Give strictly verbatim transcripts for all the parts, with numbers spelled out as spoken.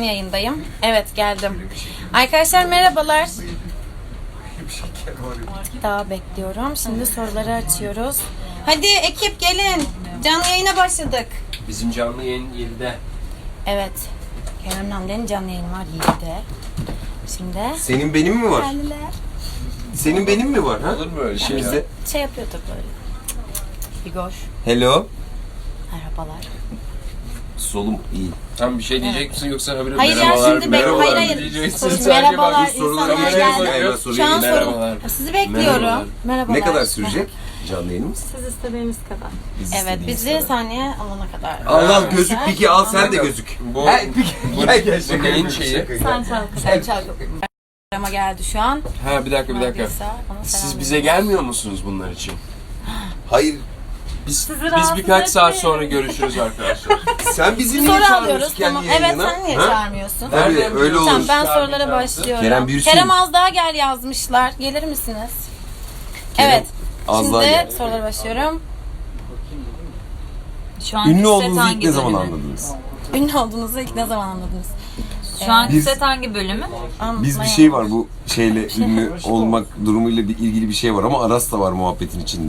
canlı yayındayım. Evet, geldim. Arkadaşlar merhabalar. Daha bekliyorum. Şimdi soruları açıyoruz. Hadi ekip gelin. Canlı yayına başladık. Bizim canlı yayın yedide. Evet. Kerem Namden'in canlı yayını var yedide. Şimdi Senin benim mi var? geldiler. Senin benim mi var ha? Olur mu öyle şey? Bizde. Şey yapıyorduk böyle. Igor. Hello. Merhabalar. Solum iyi. Tam bir şey diyecek misin yoksa habire Hayır ya merhabalar, şimdi bek merhabalar hayır hayır. diyeceksin. Şimdi Sadece merhabalar bak, sorulara insanlar geçelim. geldi. Hemen soruyu Şu an merhabalar. soru. Sizi bekliyorum. Merhabalar. Merhabalar. Ne kadar sürecek canlı yayınımız? Siz istediğiniz kadar. Biz Evet istediğimiz bizi kadar. sahneye alana kadar. Al al Arkadaşlar. gözük peki al sen de gözük. Bu, He, peki, bu, gel gel bu şaka neyin yapıyorum, şeyi? şaka. Sen çal. Sen çal. Ama geldi şu an. Ha bir dakika bir dakika. Neredeyse ona Siz selam bize veriyorum. gelmiyor musunuz bunlar için? Hayır Biz Sizi biz rahatsız birkaç saat etmeyin. sonra görüşürüz arkadaşlar. sen bizi Bir niye soru çağırıyorsun alıyoruz kendi tamam. Evet yayınına? sen niye Ha? çağırmıyorsun? Tabii Nereden öyle olur. Tamam ben Çağırmayacağım. sorulara başlıyorum. Kerem Bürsin. Kerem az daha gel yazmışlar. Gelir misiniz? Kerem, Evet. az daha Şimdi gel. sorulara başlıyorum. Şu anki Ünlü set olduğunuzu ilk hangi ne zaman bölümü? anladınız? Ünlü olduğunuzu ilk ne zaman anladınız? Şu anki Biz- set hangi bölümü? Biz bir şey var bu şeyle ünlü olmak durumuyla bir ilgili bir şey var ama Aras da var muhabbetin içinde.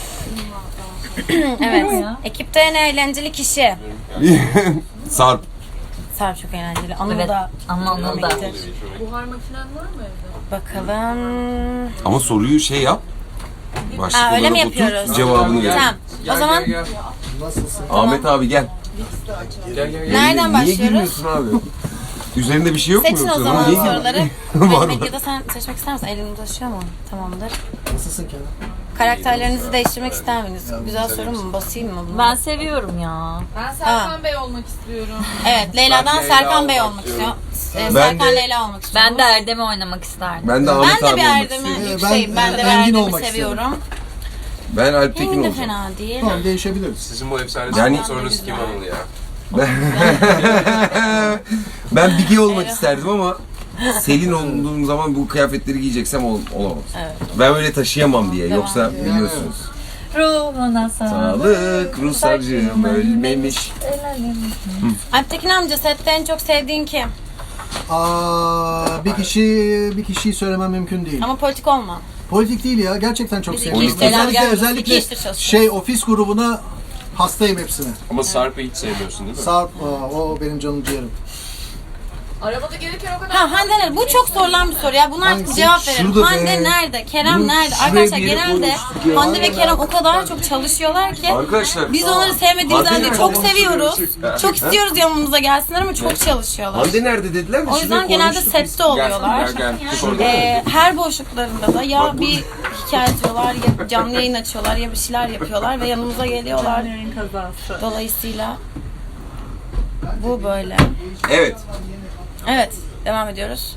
Evet. ya? Ekipte en eğlenceli kişi. Sarp. Sarp çok eğlenceli. Anıl Evet. da. Anlamında. Buhar makinen var mı evde? Bakalım. Ama soruyu şey yap. Başlık Aa, öyle mi olarak otur, yapıyoruz? cevabını ver. Tamam. Gel, O zaman gel, gel. Ahmet abi gel. Gel, gel, gel. nereden Niye başlıyoruz? girmiyorsun abi? Üzerinde bir şey yok mu Seçin o yoksa? zaman Niye gir- soruları. Var Ahmet mı? ya da sen seçmek ister misin? Elini taşıyor mu? Tamamdır. Nasılsın Kerem? Karakterlerinizi değiştirmek ister misiniz? Güzel soru mu? Basayım mı bunu? Ben seviyorum ya. Ben Serkan Bey olmak istiyorum. Evet, Leyla'dan Ben Leyla Serkan Bey olmak olmak istiyorum. istiyor. Ee, Ben Serkan de- Leyla olmak istiyorum. Ben de Erdem'i oynamak isterdim. Ben de Ahmet ben de abi bir olmak Erdem'i istiyorum. yükseğim. Ben, Ben, de e, bir Engin Erdem'i olmak seviyorum. Ben Alp Tekin Engin de olacağım. fena değil. Tamam değişebiliriz. Sizin bu efsane Yani- yani, sorunuz kim Anıl ya? Ben Bige olmak Evet. isterdim ama Selin olduğum zaman bu kıyafetleri giyeceksem ol, olamaz. Evet. Ben öyle taşıyamam diye. Devam Yoksa ediyor. biliyorsunuz. Ruhuna sağlık. Sağlık, Ruslarcığım ölmemiş. Alptekin amca sette en çok sevdiğin kim? Aa, bir kişi bir kişiyi söylemem mümkün değil. Ama politik olma. Politik değil ya. Gerçekten çok Biz seviyorum. iki işler Özellikle geldik, iki özellikle işte çalışıyoruz. şey ofis grubuna hastayım hepsine. Ama Sarp'ı hiç sevmiyorsun değil mi? Sarp, aa, o benim canım ciğerim. Arabada gelirken o kadar... Ha Hande nerede? Bu çok sorulan bir soru ya. Buna artık Hangisi? cevap verelim. Şurada Hande be. nerede? Kerem Bunu nerede? şuraya Arkadaşlar bir yere genelde koymuştuk ya. Hande ve Kerem o kadar çok çalışıyorlar ki Arkadaşlar. biz onları sevmediğimiz Hande halde nerede? çok seviyoruz. Çok istiyoruz yanımıza gelsinler ama çok çalışıyorlar. Hande nerede dediler mi? O yüzden genelde sette oluyorlar. Gel gel. Şurada. Ee, her boşluklarında da ya bir hikaye diyorlar ya canlı yayın açıyorlar ya bir şeyler yapıyorlar ve yanımıza geliyorlar. Kazası. Dolayısıyla bu böyle. Evet. Evet, devam ediyoruz.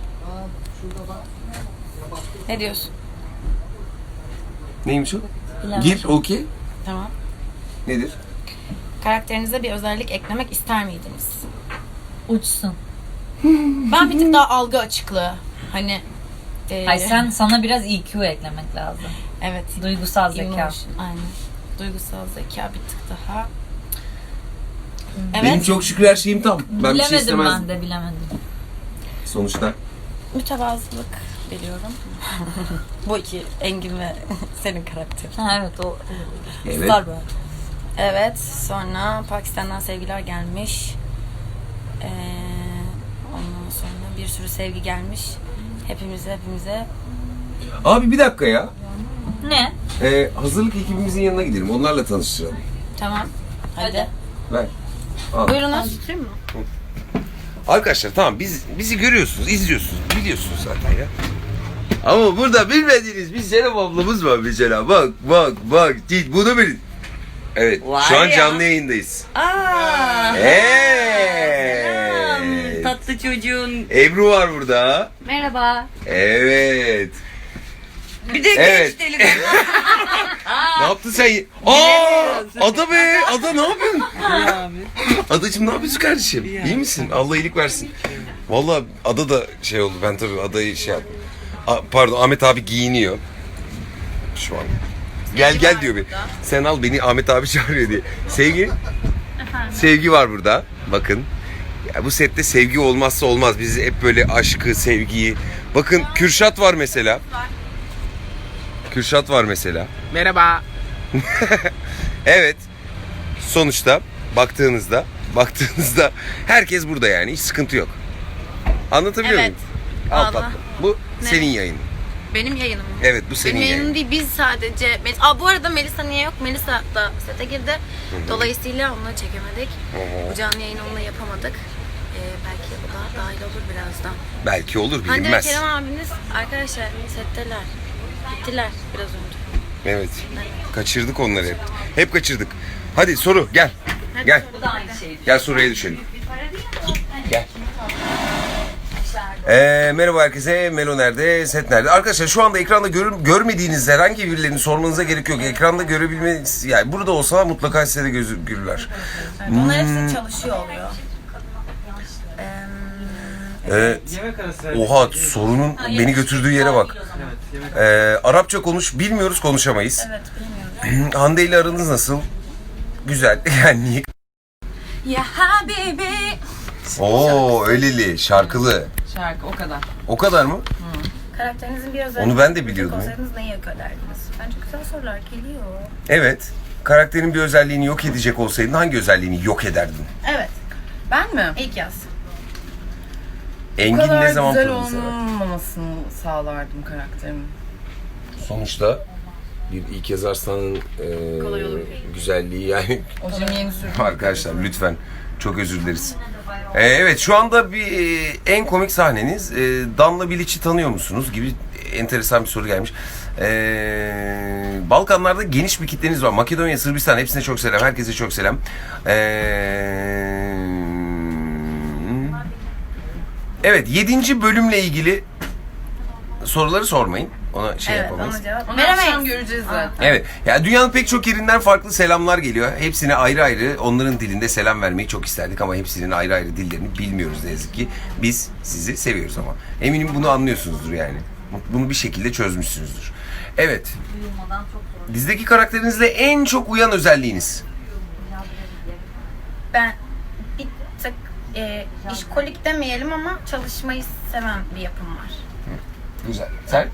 Ne diyorsun? Neymiş o? Gir, okey. Tamam. Nedir? Karakterinize bir özellik eklemek ister miydiniz? Uçsun. Ben bir tık daha algı açıklığı. Hani e, Hayır sen sana biraz E Q eklemek lazım. evet. Duygusal zeka. emotion, aynen. Duygusal zeka bir tık daha. Benim Evet. çok şükür her şeyim tam. Ben bir şey Bilemedim istemezdim. ben de bilemedim. Sonuçta. Mütevazılık biliyorum. Bu iki Engin ve senin karakter. Ha evet o. Evet. Star böyle. Evet. Sonra Pakistan'dan sevgiler gelmiş. Ee, ondan sonra bir sürü sevgi gelmiş. Hepimize hepimize. Abi bir dakika ya. Ne? Ee, hazırlık ekibimizin yanına gidelim. Onlarla tanıştıralım. Tamam. Hadi. Ver. Al. Buyurunuz. Arkadaşlar tamam biz bizi görüyorsunuz, izliyorsunuz, biliyorsunuz zaten ya. Ama burada bilmediğiniz bir Serap ablamız var mesela. Bak bak bak bunu bilin. Evet şu an canlı yayındayız. Aa, Evet. tatlı çocuğun. Ebru var burada. Merhaba. Evet. Bir de Evet. genç delikanlı. Ne yaptın sen? Aa, Ada be, Ada ne yapıyorsun? Adacığım ne yapıyorsun kardeşim? İyi misin? Allah iyilik versin. Vallahi Ada da şey oldu. Ben tabii Ada'yı şey yaptım. A- pardon Ahmet abi giyiniyor. Şu an. Gel gel diyor beni. Sen al beni Ahmet abi çağırıyor diye. Sevgi. Sevgi var burada. Bakın. Ya bu sette sevgi olmazsa olmaz. Biz hep böyle aşkı, sevgiyi. Bakın Kürşat var mesela. Kürşat var mesela. Merhaba. Evet. Sonuçta baktığınızda, baktığınızda herkes burada yani. Hiç sıkıntı yok. Anlatabiliyor Evet. muyum? Al Vallahi. tatlım. Bu Ne? senin yayının. Benim yayınım. Evet, bu senin Benim yayınım yayının. değil, biz sadece... Melis- Aa, bu arada Melisa niye yok? Melisa da sete girdi. Dolayısıyla onunla çekemedik. Hı hı. Bu canlı yayını onunla yapamadık. Ee, belki o da dahil olur birazdan. Belki olur, Hande ve bilinmez. Kerem abiniz arkadaşlar setteler. Gittiler biraz önce. Evet. Kaçırdık onları hep. Hep kaçırdık. Hadi soru gel. Hadi Gel. Bu da aynı şey. Gel soruya düşelim. Gel. Ee, merhaba herkese. Melo nerede? Set nerede? Arkadaşlar şu anda ekranda gör, görmediğiniz herhangi birilerini sormanıza gerek yok. Ekranda görebilmeniz... Yani burada olsa mutlaka size de gözükürler. Onlar hepsi çalışıyor oluyor. Ee, oha sorunun beni götürdüğü yere bak. Ee, Arapça konuş. Bilmiyoruz, konuşamayız. Evet bilmiyorum. Hande ile aranız nasıl? Güzel. Yani niye? Ya habibi. Oo öyleli, şarkılı. Şarkı o kadar. O kadar mı? Karakterinizin bir özelliği. Onu ben de biliyordum ya. Olsaydınız neyi yok ederdiniz? Bence güzel sorular geliyor. Evet. Karakterin bir özelliğini yok edecek olsaydın hangi özelliğini yok ederdin? Evet. Ben mi? İlk yaz. Bu Engin kadar ne zaman güzel pırıl sever? olmamasını sağlardım karakterimin. Sonuçta bir ilk yaz arslanın e, Kolay olur. güzelliği yani. Hocam yeni sürdüm. Arkadaşlar lütfen çok özür dileriz. E, evet şu anda bir e, en komik sahneniz e, Danla Bilic'i tanıyor musunuz gibi enteresan bir soru gelmiş. E, Balkanlarda geniş bir kitleniz var. Makedonya, Sırbistan hepsine çok selam. Herkese çok selam. E, evet yedinci bölümle ilgili soruları sormayın. Ona şey Evet yapamayız. ona cevap Onu akşam veremeyiz. göreceğiz zaten. Evet. Ya dünyanın pek çok yerinden farklı selamlar geliyor. Hepsine ayrı ayrı onların dilinde selam vermeyi çok isterdik ama hepsinin ayrı ayrı dillerini bilmiyoruz ne yazık ki. Biz sizi seviyoruz ama. Eminim bunu anlıyorsunuzdur yani. Bunu bir şekilde çözmüşsünüzdür. Evet. Dizdeki karakterinizle en çok uyan özelliğiniz. Ben bir tık e, işkolik demeyelim ama çalışmayı seven bir yapım var. Güzel. Sen?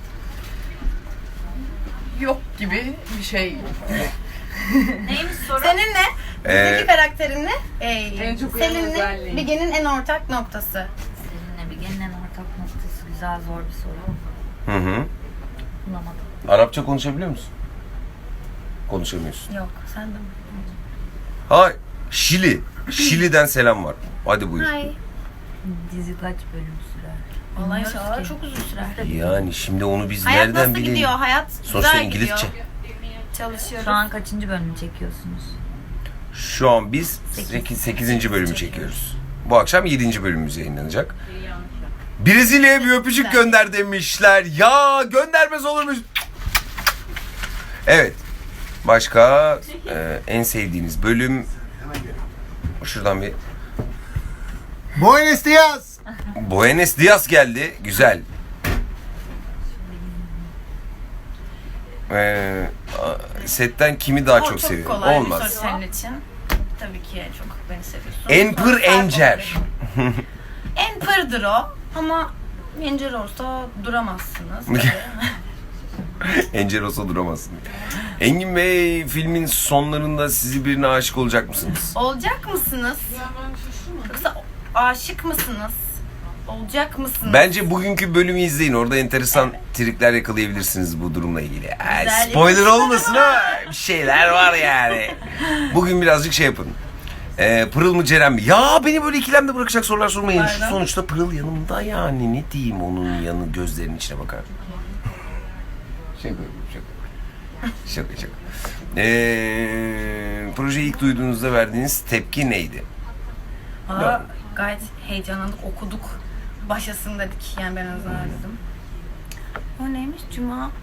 Yok gibi bir şey. Neymiş soru? Senin ne? Ee, Dizdeki karakterin ne? Ee, En çok uyan Selin'le özelliği. Bilge'nin en ortak noktası. Seninle bir gelinen ortak noktası güzel zor bir soru. Hı hı. Bulamadım. Arapça konuşabiliyor musun? Konuşamıyorsun. Yok sen de mi? Hay. Şili. Şili'den selam var. Hadi buyur. Hay. Dizi kaç bölüm sürer? Vallahi Bilmiyoruz inşallah ki. çok uzun sürer. Yani şimdi onu biz Hayat nereden nasıl bilelim? gidiyor? Hayat Sonuçta güzel İngilizce. gidiyor. Çalışıyoruz. Şu an kaçıncı bölümü çekiyorsunuz? Şu an biz sekizinci bölümü çekiyoruz. Bu akşam yedinci bölümümüz yayınlanacak. Brezilya'ya bir öpücük gönder demişler. Ya göndermez olur mu? Evet. Başka e, en sevdiğiniz bölüm. Şuradan bir Buenos dias. Buenos Dias geldi. Güzel. Ee, a- setten kimi daha O çok, çok seviyorum? kolay Olmaz. bir soru senin için. Tabii ki çok beni seviyorsun. Enpır Sonra Encer. Enpır'dır o ama Encer olsa duramazsınız. Encer olsa duramazsın. Engin Bey filmin sonlarında sizi birine aşık olacak mısınız? Olacak mısınız? Yoksa aşık mısınız? Olacak mısınız? Bence bugünkü bölümü izleyin. Orada enteresan trikler yakalayabilirsiniz bu durumla ilgili. Ee, Güzel spoiler ipuçları olmasın ama bir şeyler var yani. Bugün birazcık şey yapın. Ee, Pırıl mı Ceren mi? Ya beni böyle ikilemde bırakacak sorular sormayın. Şu Pardon? sonuçta Pırıl yanımda yani. Ne diyeyim onun yanı gözlerinin içine bakar. Şaka şaka. Şaka şaka. Ee, projeyi ilk duyduğunuzda verdiğiniz tepki neydi? Valla gayet heyecanlandık, okuduk. Başlasın dedik. Yani ben hazırladım. O neymiş? Cuma.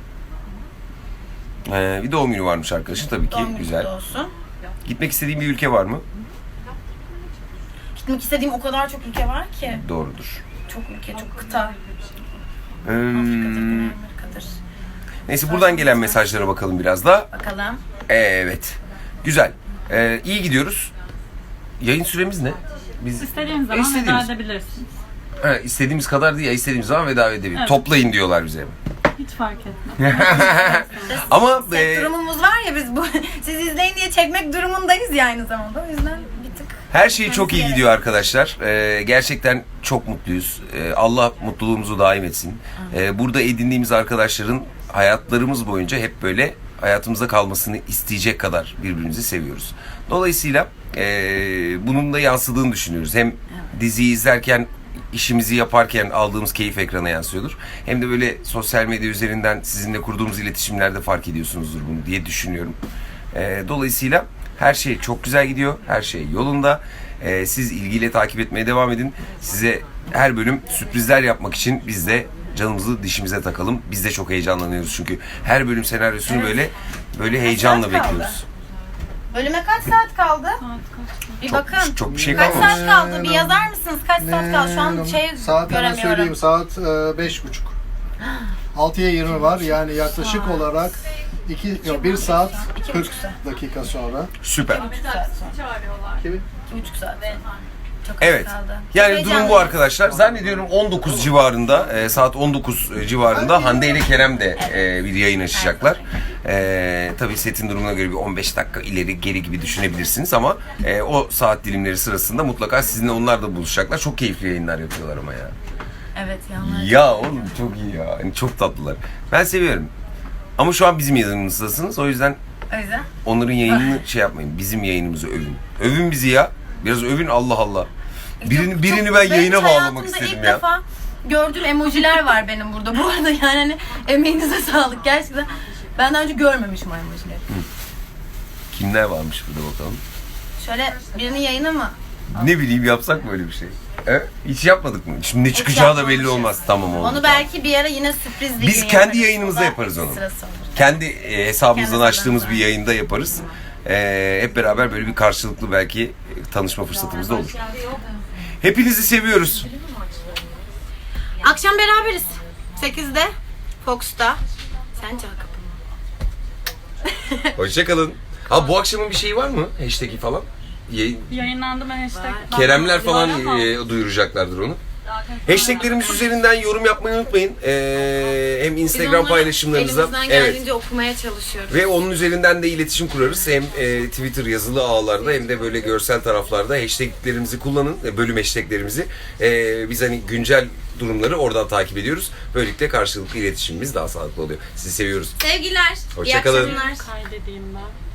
Ee, bir doğum günü varmış arkadaşın tabii ki. Doğum günü Güzel. kutlu olsun. Gitmek istediğin bir ülke var mı? Gitmek istediğim o kadar çok ülke var ki. Doğrudur. Çok ülke, çok kıta. Hmm, Afrika'dır, Güney Amerika'dır. neyse buradan gelen mesajlara bakalım biraz da. Bakalım. Evet. Güzel. Ee, iyi gidiyoruz. Yayın süremiz ne? Biz İstediğiniz zaman İstediğimiz. veda edebilirsiniz. Ha, istediğimiz kadar değil ya, istediğimiz zaman veda edebiliriz. Evet. Toplayın diyorlar bize. Hiç fark etmez. Ama Set e, durumumuz var ya, biz bu siz izleyin diye çekmek durumundayız ya aynı zamanda. O yüzden bir tık her şey çok iyi gidiyor arkadaşlar. Ee, gerçekten çok mutluyuz. Ee, Allah mutluluğumuzu daim etsin. Ee, burada edindiğimiz arkadaşların hayatlarımız boyunca hep böyle hayatımızda kalmasını isteyecek kadar birbirimizi seviyoruz. Dolayısıyla e, bunun da yansıdığını düşünüyoruz. Hem diziyi izlerken, işimizi yaparken aldığımız keyif ekrana yansıyordur. Hem de böyle sosyal medya üzerinden sizinle kurduğumuz iletişimlerde fark ediyorsunuzdur bunu diye düşünüyorum. Ee, dolayısıyla her şey çok güzel gidiyor. Her şey yolunda. Ee, siz ilgiyle takip etmeye devam edin. Size her bölüm sürprizler yapmak için biz de canımızı dişimize takalım. Biz de çok heyecanlanıyoruz çünkü her bölüm senaryosunu Evet. böyle böyle heyecanla saat kaldı? bekliyoruz. Bölüme kaç saat kaldı? Bir Çok, bakın. çok bir şey Kaç kalmamış. saat kaldı? Bir yazar mısınız? Kaç saat kaldı? Şu an şey Saat hemen söyleyeyim. göremiyorum. Saat e, beş buçuk. altıya yirmi var. Yani yaklaşık olarak iki, yok, bir saat kırk dakika sonra. Süper. Kimi? İki buçuk saat. Çok az Evet. kaldı. Yani Çok durum bu heyecanlıyım. arkadaşlar. Zannediyorum on dokuz civarında, e, saat on dokuz civarında Hande ile Kerem de e, bir yayın açacaklar. E, tabii setin durumuna göre bir on beş dakika ileri geri gibi düşünebilirsiniz ama e, o saat dilimleri sırasında mutlaka sizinle onlar da buluşacaklar. Çok keyifli yayınlar yapıyorlar ama ya. Evet yanlar. Ya oğlum çok iyi ya. Yani çok tatlılar. Ben seviyorum. Ama şu an bizim yayınımızdasınız. O yüzden O yüzden. onların yayınını şey yapmayın. Bizim yayınımızı övün. Övün bizi ya. Biraz övün, Allah Allah. Birini, Çok- birini çok- ben benim yayına hiç bağlamak hayatımda istedim ilk ya. defa gördüğüm emojiler var benim burada. Bu arada yani hani emeğinize sağlık gerçekten. Ben daha önce görmemişim o emojileri. Kimler varmış burada bakalım. Şöyle birinin yayını mı? Ne bileyim, yapsak mı öyle bir şey? He? Hiç yapmadık mı? Şimdi ne çıkacağı da belli yapmamışız. olmaz. Tamam oldu. Onu belki bir ara yine sürpriz bir Biz gün kendi yaparız. yayınımızda O da yaparız onu. sırası olur. Kendi e, hesabımızdan Kendi açtığımız hesabından. bir yayında yaparız. E, hep beraber böyle bir karşılıklı belki e, tanışma fırsatımız da olur. Hepinizi seviyoruz. Akşam beraberiz. sekizde Fox'ta. Sen çal kapını. Hoşçakalın. Ha, bu akşamın bir şeyi var mı? Hashtag'i falan. Yayın, Yayınlandı mı hashtag? Keremler falan Var ama. e, duyuracaklardır onu. Hashtaglerimiz üzerinden yorum yapmayı unutmayın. E, hem Biz Instagram onları paylaşımlarınızda. elimizden Evet. geldiğince okumaya çalışıyoruz. Ve onun üzerinden de iletişim kurarız. Hem e, Twitter yazılı ağlarda hem de böyle görsel taraflarda hashtaglerimizi kullanın. e, Bölüm hashtaglerimizi. E, biz hani güncel durumları oradan takip ediyoruz. Böylelikle karşılıklı iletişimimiz daha sağlıklı oluyor. Sizi seviyoruz. Sevgiler. Hoşça kalın. İyi akşamlar. Kaydedeyim ben.